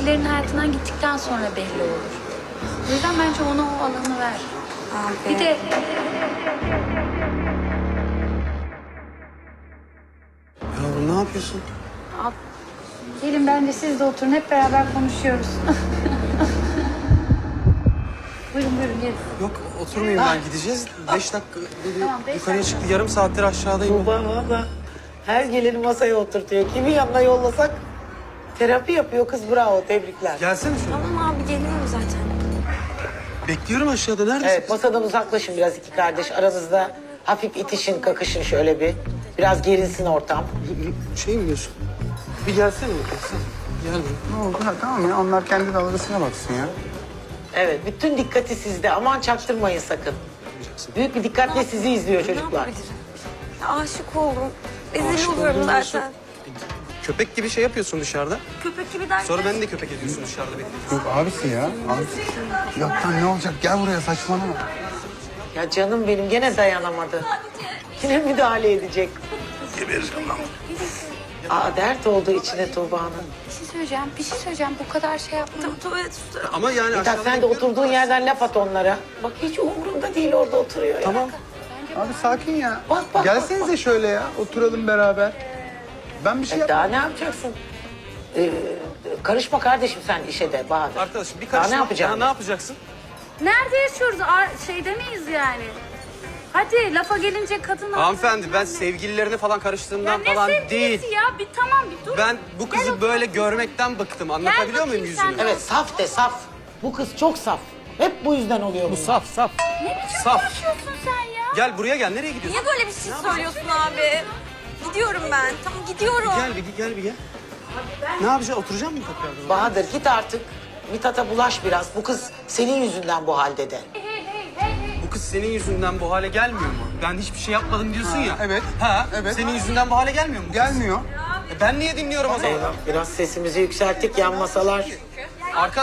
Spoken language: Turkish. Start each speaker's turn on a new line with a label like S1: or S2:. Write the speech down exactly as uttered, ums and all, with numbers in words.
S1: birilerinin hayatından gittikten sonra belli olur. O yüzden bence ona o alanı ver.
S2: Abi.
S1: Bir de
S3: Yavrum ne yapıyorsun?
S1: Al, gelin bence siz de oturun, hep beraber konuşuyoruz. Buyurun buyurun gelin.
S3: Yok oturmayayım ben gideceğiz. Beş dakika dedi
S1: Tamam, beş
S3: yukarıya
S1: dakika.
S3: çıktı. Yarım saattir aşağıdayım.
S4: Tuğba valla her geleni masaya oturtuyor. Kimi yanına yollasak terapi yapıyor kız, bravo, tebrikler.
S3: Gelsene şöyle.
S2: Tamam abi geliyorum zaten.
S3: Bekliyorum aşağıda. Neredesin?
S4: Evet, masadan uzaklaşın biraz iki kardeş. Aranızda hafif itişin, kakışın şöyle bir. Biraz gerilsin ortam.
S3: Şey mi diyorsun? Bir gelsene. Gelsene. Gel.
S5: Ne oldu? Ha, tamam ya, onlar kendi dalgasına baksın ya.
S4: Evet, bütün dikkati sizde. Aman çaktırmayın sakın. Büyük bir dikkatle sizi izliyor çocuklar.
S2: Ne yapabilirim? Ya, aşık oldum. Rezil
S3: Aşık
S2: oluyorum
S3: oldum diyorsun.
S2: zaten.
S3: Köpek gibi şey yapıyorsun dışarıda.
S2: Köpek gibi derken.
S3: Sonra beni de köpek ediyorsun dışarıda beni.
S5: Yok abisi ya. Abisi. Yok lan ne olacak? Gel buraya, saçmalama.
S4: Ya canım benim gene dayanamadı. Yine müdahale edecek.
S5: Gebereceğim lan.
S4: Aa, dert oldu içine Tuğba'nın.
S1: Bir şey söyleyeceğim, bir şey söyleyeceğim. Bu kadar şey yaptım.
S2: Tuvalet tutarım.
S3: Ama yani
S4: Mithat
S3: aşağıda
S4: sen de
S3: bekliyorum.
S4: oturduğun yerden laf at onlara. Bak hiç umurunda değil, orada oturuyor ya.
S3: Tamam.
S5: Abi sakin ya.
S4: Bak, bak,
S5: Gelsenize şöyle ya. Oturalım beraber. Ben bir şey
S4: E,
S5: yap.
S4: daha ne yapacaksın? Ee, karışma kardeşim sen işe de Bahadır.
S3: Arkadaşım bir
S4: Daha
S3: karışma.
S4: ne yapacaksın?
S3: Ya, ne yapacaksın?
S1: Nerede yaşıyoruz? Ar şeyde miyiz yani? Hadi lafa gelince kadın...
S3: Hanımefendi ben sevgililerine falan
S1: Ya
S3: karıştığımdan
S1: ne
S3: falan
S1: sevgilisi
S3: değil.
S1: ya? Bir tamam bir dur.
S3: Ben bu
S1: Gel
S3: kızı
S1: otur.
S3: böyle görmekten bıktım. Anlatabiliyor muyum
S1: bakayım sen
S3: yüzünü?
S1: de.
S4: Evet, saf de saf. Bu kız çok saf. Hep bu yüzden oluyor
S3: Bu
S4: bunlar.
S3: saf saf.
S1: Ne biçim
S3: Saf.
S1: konuşuyorsun sen ya?
S3: Gel buraya gel. Nereye gidiyorsun?
S2: Niye böyle bir şey söylüyorsun abi? Gidiyorum ben. Tamam gidiyorum.
S3: Gel bir gel bir gel. Ne yapacaksın? Oturacak mısın tekrardan?
S4: Bahadır git artık. Mithat'a bulaş biraz. Bu kız senin yüzünden bu halde de.
S1: Hey hey hey hey.
S3: Bu kız senin yüzünden bu hale gelmiyor mu? Ben hiçbir şey yapmadım diyorsun ya.
S5: evet.
S3: Ha,
S5: Evet.
S3: Senin yüzünden bu hale gelmiyor mu? bu kız?
S5: Gelmiyor.
S3: E ben niye dinliyorum o zaman?
S4: Eyvah, biraz sesimizi yükselttik, yan masalar.
S3: Arkadaş